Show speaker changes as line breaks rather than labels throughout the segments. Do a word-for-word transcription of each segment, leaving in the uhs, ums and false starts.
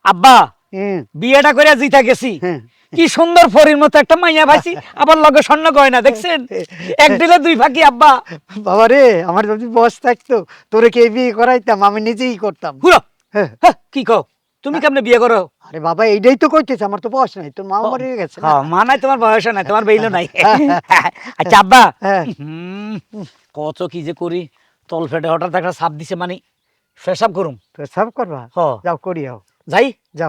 আব্বা বিয়েটা করে জিতা গেছি, কি সুন্দর ফরির মতো একটা মাইয়া পাইছি, আবার লগে স্বর্ণ গয়না দেখছেন, এক দিলে দুই ফাঁকি। আব্বা
বাবা রে, আমার যদি বয়স থাকতো তোরে কে বিয়ে করাইতাম, আমি নিজেই করতাম।
হুলো কি কও, তুমি কেমনে বিয়ে করো?
আরে বাবা এইটাই তো কইতেছে, আমার তো বয়স নাই, তোর মা মরে গেছে না।
হ্যাঁ মা নাই, তোমার বয়স নাই, তোমার বেইলো নাই। আচ্ছা আব্বা, কত কি যে করি, তল ফেটে হঠাৎ একটা সাপ দিছে, মানে ফেসাব করুম।
সব করবা?
হ
যাও করি, যাও
যাই
যাও।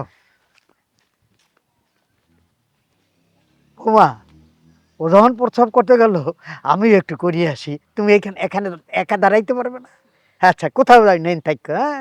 ওমা, ও যখন প্রস্রাব করতে গেল আমি একটু করিয়ে আসি, তুমি এখানে এখানে একা দাঁড়াইতে পারবে না? আচ্ছা কোথাও যাই নেন থাকো। হ্যাঁ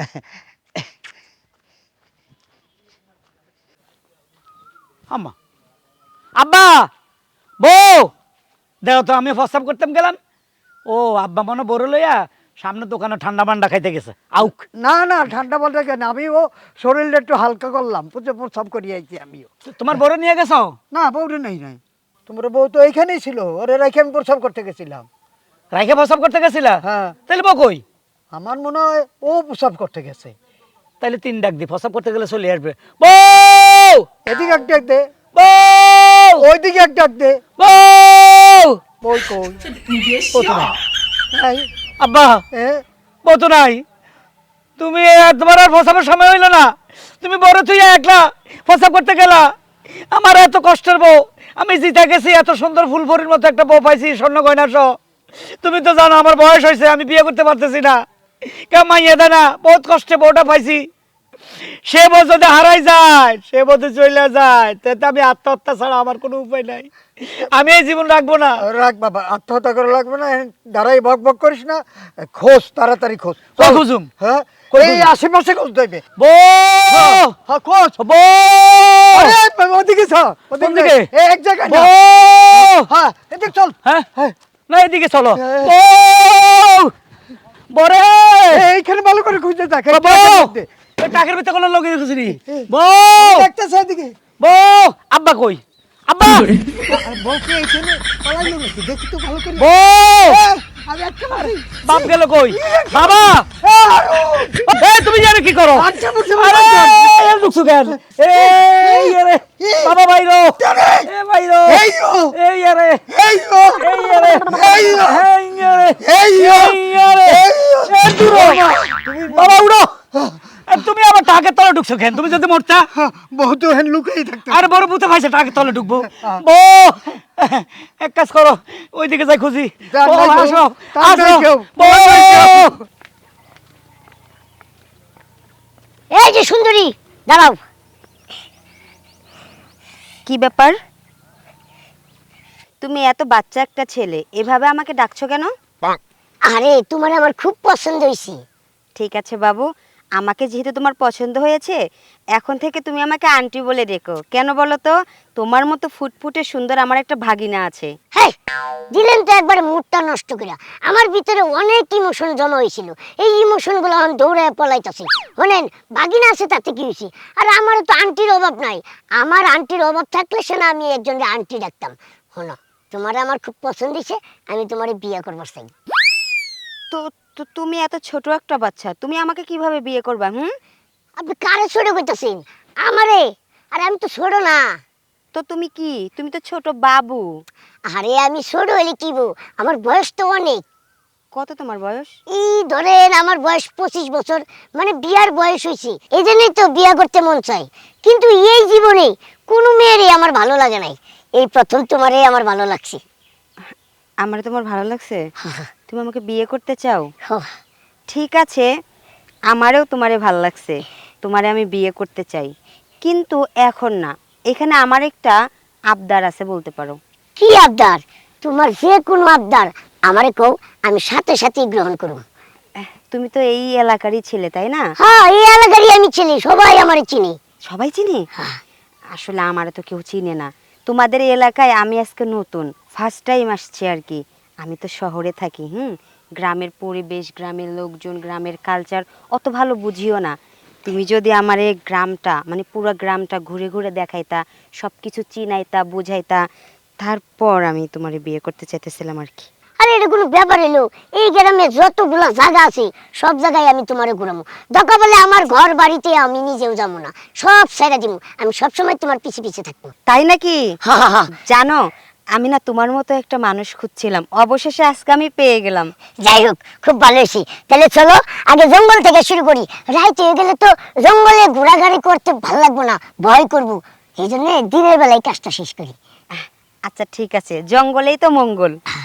আম্মা, আব্বা, বউ দেখো তো, আমি প্রস্তাব করতাম গেলাম, ও আব্বা মনে বড় লইয়া সামনে দোকানে ঠান্ডা মান্ডা খাইতে গেছে। আউক
না না, ঠান্ডা বলতে কেন, আমি ও শরীরটা একটু হালকা করলাম, পুজো প্রস্রাব করিয়ে আইছি আমিও।
তোমার বড় নিয়ে গেছো?
না বউরে নেই নাই, তোমার বউ তো এইখানেই ছিল, ওরে রেখে আমি প্রস্রাব করতে গেছিলাম।
রাইখে প্রস্তাব করতে গেছিলা?
হ্যাঁ।
তাহলে বউ কই?
আমার মনে হয় ও প্রস্রাব করতে গেছে।
তাইলে তিন ডাক দি, প্রস্তাব করতে গেলে চলে আসবে। বউ,
এদিকে এক ডাক দে,
বউ,
ওইদিকে এক ডাক দে।
বউ,
বই কই? ও তো নাই। নাই।
আব্বা
এ,
বউ তো নাই। তুমি আর তোমার আর প্রস্তাবের সময় হইলো না, তুমি বড় তুই একলা প্রস্তাব করতে গেলা। আমার এত কষ্টের বউ, আমি জিতে গেছি, এত সুন্দর ফুলফুরির মতো একটা বউ পাইছি, স্বর্ণ গয়না সহ। তুমি তো জানো আমার বয়স হয়েছে, আমি বিয়ে করতে পারতেছি না, কেউ মাইয়া দেয় না, বহুত কষ্টে বউটা পাইছি। সে বউ যদি হারাই যায়, সে বউ যদি চলে যায়, তাতে আমি আত্মহত্যা ছাড়া আমার কোনো উপায় নাই, আমি এই জীবন রাখবো না।
রাখ বাবা, আত্মহত্যা করা লাগবে না, দাঁড়াই বক বক করিস না, খোঁজ তাড়াতাড়ি খোঁজ।
কই খুঁজুম?
হ্যাঁ
কই
এই
খুঁজুম?
আশেপাশে খোঁজ দেবে।
বউ,
হ্যাঁ খোঁজ।
বউ,
আরে ওদিকে চ,
কোন
ওদিকে
দিকে?
এই এক জায়গায় না।
বউ,
হ্যাঁ এদিকে চল।
হ্যাঁ
হ্যাঁ
না এদিকে চলো।
হ্যাঁ।
বউ, বরে,
এইখানে ভালো করে খুঁজতে থাক। এই
বউ,
টাকের মধ্যে।
এই টাকের ভিতরে কোনো লোক খুঁজিনি।
এই,
বউ,
দেখতেছে এদিকে।
বউ, আব্বা কই? আব্বা,
আর বউকে এইখানে পালাইলো নাকি, দেখি তো ভালো করে।
বউ,
এই, আমি একটা মারি।
বাপ গেল কই? বাবা, এই তুমি জানো কি করো?
আচ্ছা বুঝতে
আরে
পারলাম।
এর ঢুকছো কেন? এই আরে বাবা বাইরো, এ বাইরো,
এই ও,
এই আরে,
এই ও,
এই আরে,
এই ও,
এই আরে,
এই ও,
এই আরে,
এই ও।
এ দূরো। বাবা উড়ো। এ তুমি আবার টাকের তলে ঢুকছো কেন? তুমি যদি মরতা।
বহু তো হেন লুকাই থাকতে।
আরে বড় ভূতে ভাইছে, টাকের তলে ঢুকবো। বউ, এক কাজ করো, ওইদিকে যাই খুঁজি।
যা,
বউ,
নাই কেউ,
আসো,
তার নাই
আসো।
কেউ,
বউ,
নাই কেউ।
এই যে সুন্দরী, দাঁড়াও। কি ব্যাপার, তুমি এত বাচ্চা একটা ছেলে, এভাবে আমাকে ডাকছো কেন?
আরে তোমার আমার খুব পছন্দ হয়েছে।
ঠিক আছে বাবু, আমাকে যেহেতু তোমার পছন্দ হয়েছে, এখন থেকে তুমি আমাকে আন্টি বলে ডেকো। কেন বলো তো? তোমার মতো ফুটফুটে সুন্দর আমার একটা ভাগিনা আছে।
হ্যাঁ, দিলেন তো একবার মুডটা নষ্ট করে। আমার ভিতরে অনেক ইমোশন জমা হয়েছিল, এই ইমোশনগুলো এখন দৌড়ায় পলাইতেছে। শোনেন, বাগিনা আছে তাতে কি হয়েছে, আর আমারও তো আন্টির অভাব নাই। আমার আন্টির অভাব থাকলে সে না আমি একজনকে আন্টি ডাকতাম। শোনো, তোমার আমার খুব পছন্দ হয়েছে, আমি তোমার বিয়ে করবার চাই।
তো তো তুমি এত ছোট একটা বাচ্চা, তুমি আমাকে কিভাবে বিয়ে করবা? হুম,
আপনি কারে ছোট কইতাছেন? আমারে? আরে আমি তো ছোট না।
তো তুমি কি? তুমি তো ছোট বাবু।
আরে আমি ছোট হইলে কি বউ, আমার বয়স তো অনেক।
কত তোমার বয়স?
এই ধরেন আমার বয়স পঁচিশ বছর, মানে বিয়ার বয়স হয়েছে। এই জন্যই তো বিয়া করতে মন চাই, কিন্তু এই জীবনে কোনো মেয়েরই আমার ভালো লাগে নাই। এই প্রথম তোমারই আমার ভালো লাগছে।
আমার তোমার ভালো লাগছে? তুমি আমাকে বিয়ে করতে চাও?
হ্যাঁ।
ঠিক আছে, আমারও তোমারে ভালো লাগছে, তোমারে আমি বিয়ে করতে চাই, কিন্তু এখন না। এখানে আমার একটা আবদার আছে, বলতে পারো।
কি আবদার? তোমার যে কোনো আবদার আমারে কও, আমি সাথে সাথেই গ্রহণ করব।
এহ, তুমি তো এই এলাকারই ছেলে, তাই না?
হ্যাঁ, এই এলাকারই আমি চিনি, সবাই আমারে চিনি।
সবাই চিনি?
হ্যাঁ।
আসলে আমারে তো কেউ চিনে না। তোমাদের এই এলাকায় আমি আজকে নতুন, ফার্স্ট টাইম আসছি আর কি। আমি তো শহরে থাকি, হুম, গ্রামের পরিবেশ, গ্রামের লোকজন, গ্রামের কালচার অত ভালো বুঝিও না। তুমি যদি আমার এই গ্রামটা, মানে পুরো গ্রামটা ঘুরে ঘুরে দেখাইতা, সব কিছু চিনাইতা, বুঝাইতা, তারপর আমি তোমার বিয়ে করতে চাইতেছিলাম আর কি।
আরে এটা কোনো ব্যাপার এলো, এই গ্রামে যতগুলা জায়গা আছে সব জায়গায় আমি তোমারে ঘুরামো। দরকার বলে আমার ঘর বাড়িতে আমি নিজেও যাবো না, সব ছেড়ে দিব, আমি সবসময় তোমার পিছে পিছে থাকবো।
তাই নাকি?
হা হা হা।
জানো আমি না তোমার মতো একটা মানুষ খুঁজছিলাম, অবশেষে আজকে আমি পেয়ে গেলাম।
যাই হোক, খুব ভালো হয়েছি। তাহলে চলো আগে জঙ্গল থেকে শুরু করি, রাইত হয়ে গেলে তো জঙ্গলে ঘোরাঘুরি করতে ভালো লাগবো না, ভয় করবো, এই জন্য দিনের বেলায় কাজটা শেষ করি।
আচ্ছা ঠিক আছে, জঙ্গলেই তো মঙ্গল।